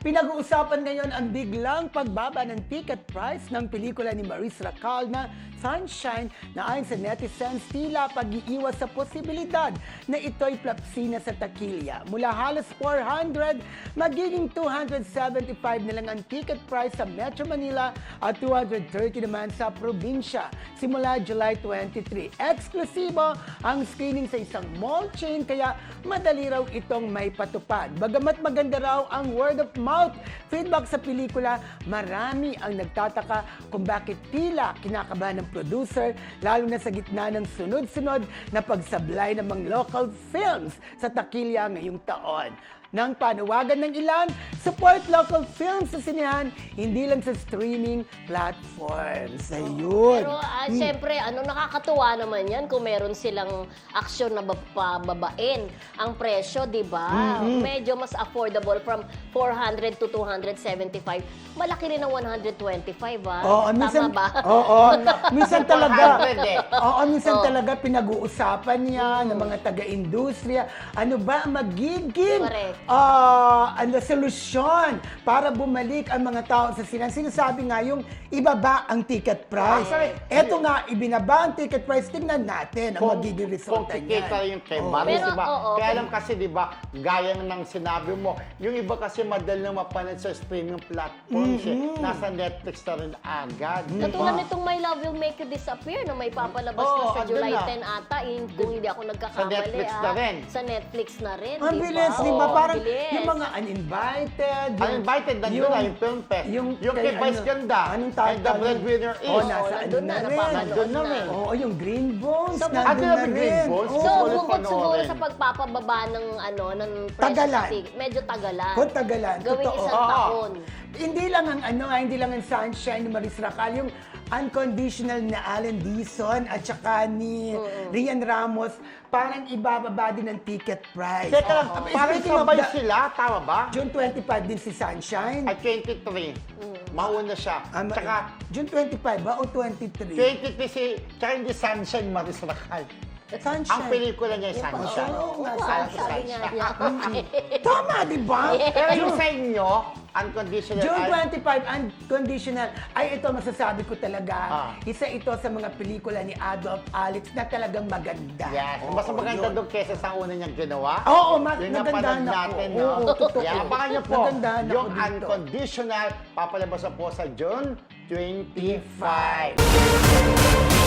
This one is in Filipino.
Pinag-uusapan ngayon ang biglang pagbaba ng ticket price ng pelikula ni Maris Racal na Sunshine na ayon sa netizens tila pag-iiwas sa posibilidad na ito'y plapsina sa takilya. Mula halos 400, magiging 275 na lang ang ticket price sa Metro Manila at 230 naman sa probinsya simula July 23. Eksklusibo ang screening sa isang mall chain kaya madali raw itong may patupad. Bagamat maganda raw ang word of mouth feedback sa pelikula, marami ang nagtataka kung bakit tila kinakabahan ng producer lalo na sa gitna ng sunod-sunod na pagsablay ng mga local films sa takilya ngayong taon. Nang panawagan ng ilan, support local films sa sinehan, hindi lang sa streaming platforms. Ayun. Pero syempre, nakakatuwa naman yan kung meron silang aksyon na bababain ang presyo, di ba? Medyo mas affordable from 400 to 275. Malaki rin ang 125, Oo, Tama ba? Oo. Minsan talaga. 100 eh. Oo, minsan talaga pinag-uusapan niya ng mga taga-industriya. Ano ba ang magiging Correct. solusyon para bumalik ang mga tao sa sinehan? Sinasabi nga yung ibaba ang ticket price. Actually, Eto nga, ibinaba ang ticket price. Tingnan natin ang magiging resulta kung niyan. kikita yung kay Oo. Maris, Pero, diba? oo, Kaya alam kasi, diba, gaya ng sinabi mo, yung iba kasi madali na mapanood sa streaming platforms. Nasa Netflix na rin agad. Katulad nitong My Love Will Make You Disappear na may papalabas Oo, na sa andun July na. 10 ata, kung hindi ako nagkakamali. Sa Netflix na rin. Sa Netflix na rin, Ang bilis, di ba? Oo, Parang bilis. yung mga uninvited. Uninvited, nandun na yung film fest. Yung kay Vice Ganda, Anong and the breadwinner is. Oh, nasa nandun na, napapanood Nandun na na. rin. Oo, yung Green Bones. So, nandun ano na yung Green rin. Bones? Oo. So, Ulit bukod siguro panoorin. sa pagpapababa ng presyo Tagalan. sa ticket, medyo tagalan. Kung tagalan, Gawing totoo. isang Oo. taon. Hindi lang ang hindi lang ang Sunshine ni Maris Racal, yung Unconditional na Alan Dizon at saka ni Rian Ramos, parang ibababa din ang ticket price. Teka lang, parang Speaking of sabay the- sila, tama ba? June 25 din si Sunshine. At 23. Mauna siya. Tsaka, June 25 ba o 23? 23 tsaka hindi Sunshine, Maris Racal. Sunshine. Ang pelikula niya ay Sunshine. Oo nga, Alam ko sabi nga Sunshine. niya. Tama, di ba? Pero yung sa inyo, unconditional. June ay- 25, Unconditional. Ay, ito masasabi ko talaga. Ah. Isa ito sa mga pelikula ni Adolph Alex na talagang maganda. Yes. Oo, Mas maganda yun. doon kesa sa una niyang ginawa. Oo, mas Yung nagandahan napanood ako. natin, Oo, no? totoo. Yeah, abangan niyo po. Nagandahan ako Yung dito. unconditional, papalabas na po sa June 25.